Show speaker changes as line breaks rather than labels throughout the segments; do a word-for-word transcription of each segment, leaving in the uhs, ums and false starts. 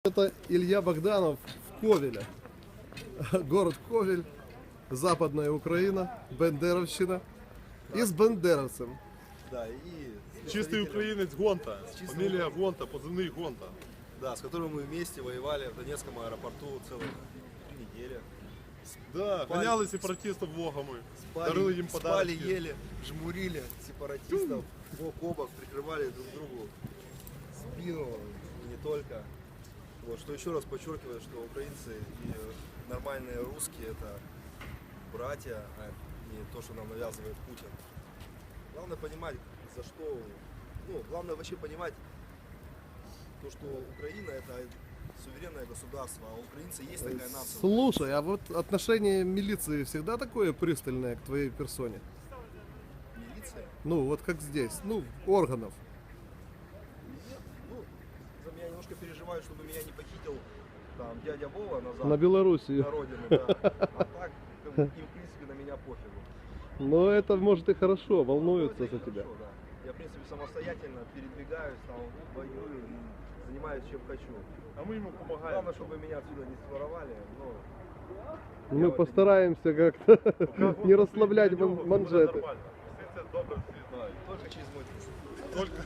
Это Илья Богданов в Ковеле. Город Ковель, Западная Украина, Бендеровщина. И с бендеровцем.
Да, и
Чистый украинец Гонта.
Чистый
Фамилия Гонта, позывной Гонта.
Да, с которым мы вместе воевали в Донецком аэропорту целых три недели.
Да,
Спали.
гоняли сепаратистов влогами.
Спали,
Дарили им
спали,
подарки.
ели, жмурили сепаратистов, бок о бок прикрывали друг другу спину, и не только. Вот, что еще раз подчеркивает, что украинцы и нормальные русские это братья, а не то, что нам навязывает Путин. Главное понимать, за что, ну, главное вообще понимать то, что Украина это суверенное государство, а украинцы есть такая нация.
Слушай, а вот отношение милиции всегда такое пристальное к твоей персоне?
Милиция?
Ну, вот как здесь, ну, органов.
Нет, ну, за меня немножко переживают, чтобы меня не похитил там дядя Вова назад
На Белоруссию.
на родину, да. А так, как бы, им в принципе на меня пофигу.
Но это может и хорошо,
Ну,
волнуются
это и
за тебя.
хорошо, да. Я в принципе самостоятельно передвигаюсь, там, воюю, занимаюсь чем хочу.
А мы ему помогаем.
Главное, чтобы меня отсюда не своровали, но
Мы
вот
постараемся как-то
Как
не
вот
расслаблять
прийдем,
ман-
буде
манжеты.
нормально. Всі це добре всі знають.
только через мой труд.
Только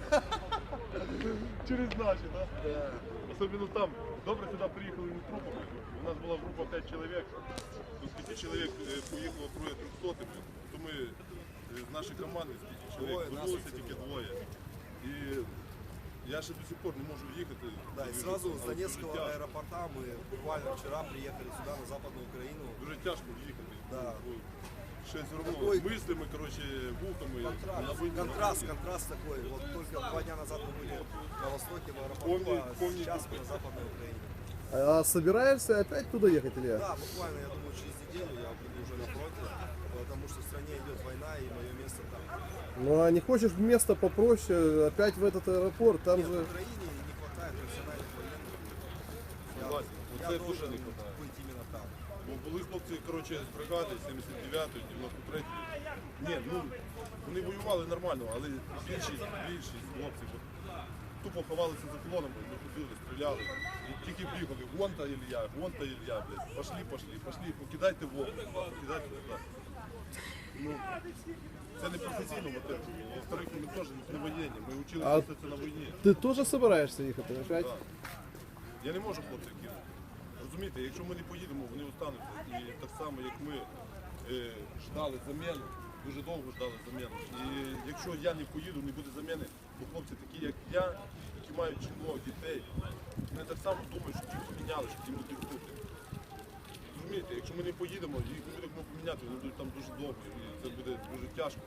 через наші, да?
Да.
Особенно там. Добре сюди приїхали не трупами. У нас була група п'ять чоловік. Тут п'ять чоловік е, поїхало троє трьохсотими. То ми е, з нашої команди з п'яти
Двоє
чоловік
нас
вернулися
оцінили.
тільки двоє. І я ще до сих пор не можу в'їхати.
Да, и
Дуже-
сразу с
але
Донецкого
дуже тяжко.
аэропорта мы буквально вчера приехали сюда, на Западную Украину.
Дуже тяжко в'їхати.
Да.
Бо Ще все одно
Такой-
мислями, коротше, вухами. на
Контраст,
війні,
контраст,
на війні.
контраст такой. Вот только два дня назад мы были на востоке, в аэропорту,
Помни-
а
помни-
сейчас мы на Западной Украине.
А собираешься опять туда ехать, Илья?
Да, буквально, я думаю, через неделю я буду уже на фронте, потому что в стране идет война, и мое место там.
Ну а не хочешь место попроще, опять в этот аэропорт, там
Нет, в
же...
Украине не хватает профессиональных военных. Я,
Согласен.
я
Оце
должен
дуже не хватає.
быть именно там.
Бо були хлопці, коротше, з бригади сімдесят дев'ятої, дев'яносто третьої. Ні, ну, вони воювали нормально, але більшість, більшість хлопців от, тупо ховалися за колонами, не ходили, стріляли. І тільки бігали, Гонта Ілья, Гонта Ілья, блядь, пошли, пошли, пошли, покидайте вогонь, покидайте туди. Ну, це не професійно мотив. Во-вторых, ми теж не воєнні, ми вчили
А-
все це на війні.
Ты тоже собираешься ехать опять?
Так. Я не можу хлопців кинути. Розумієте, якщо ми не поїдемо, вони остануться. І так само, як ми е, ждали заміну, дуже довго ждали заміну. І якщо я не поїду, не буде заміни, бо хлопці такі, як я, які мають жінок, дітей, вони так само думають, що ті поміняли, що ті будуть тут. Розумієте, якщо ми не поїдемо, їх не будемо поміняти, вони будуть там дуже довго. І це буде дуже тяжко.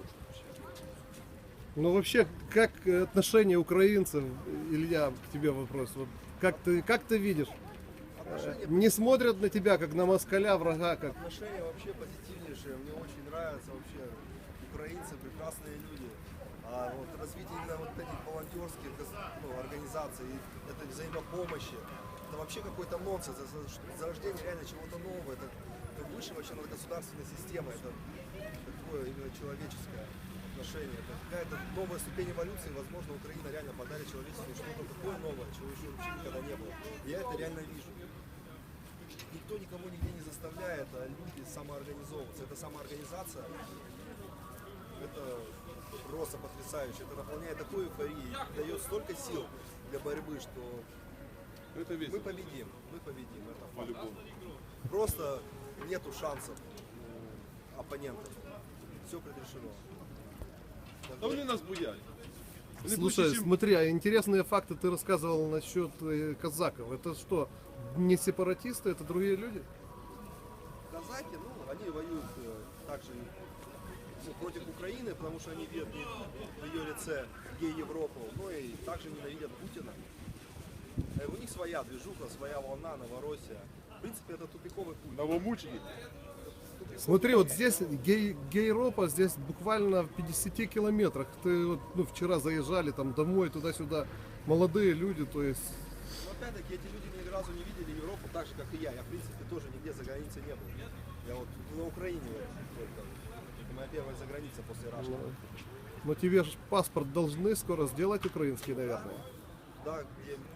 Ну вообще, как отношение украинцев, Илья, к тебе вопрос. Вот как ты, как ты видишь?
Отношения,
Не смотрят на тебя, как на москаля, врага, как...
отношения вообще позитивнейшие. Мне очень нравятся вообще украинцы, прекрасные люди. А вот развитие именно вот этих волонтерских ну, организаций, этой взаимопомощи, это вообще какой-то нонсенс, это зарождение реально чего-то нового, это, это выше вообще над государственной системой, это такое именно человеческое отношение, это какая-то новая ступень эволюции, возможно, Украина реально подарит человечеству что-то такое новое, чего еще вообще никогда не было. И я это реально вижу. Никто никому нигде не заставляет, а люди самоорганизовываться. Это самоорганизация, это просто потрясающе. Это наполняет такой эйфорией, дает столько сил для борьбы, что
Это
мы
весело.
победим, мы победим. Это факт.
По-любому.
Просто нету шансов у оппонентов. Все предрешено.
Та вони нас боять. Вони
Слушай,
бояться, чим-
смотри, а интересные факты ты рассказывал насчет э, казаков. Это что, не сепаратисты, это другие люди?
Казаки, ну, они воюют э, также ну, против Украины, потому что они видят в ее лице гей-Европу, но и также ненавидят Путина. Э, У них своя движуха, своя волна, Новороссия. В принципе, это тупиковый путь.
Новомучені.
Тупиковый
Смотри,
путь.
вот здесь гей, гейропа, здесь буквально в пятидесяти километрах. Ты вот, ну, вчера заезжали там домой, туда-сюда, молодые люди, то есть...
Но опять-таки эти люди ни разу не видели Европу так же, как и я. Я, в принципе, тоже нигде за границей не был. Я вот на Украине вот только. Это моя первая заграница после Рашки.
Но тебе же паспорт должны скоро сделать украинский, наверное.
Да, где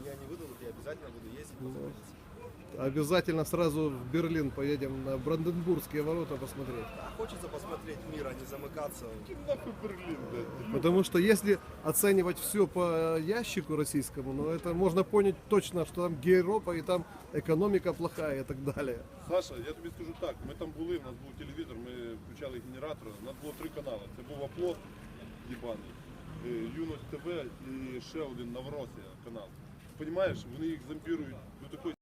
меня не выдадут, я обязательно буду ездить по границе.
Обязательно сразу в Берлин поедем на Бранденбургские ворота посмотреть.
А хочется посмотреть мир, а не замыкаться.
Нахуй Берлин, блядь.
Потому что если оценивать все по ящику российскому, ну это можно понять точно, что там Гейропа и там экономика плохая и так далее.
Саша, я тобі скажу так, ми там були, у нас був телевізор, ми включали генератор, у нас було три канали. Це був Оплот, їбаний, е, Юність ТВ і ще один Новоросія канал. Понімаєш, вони їх зомбірують до такої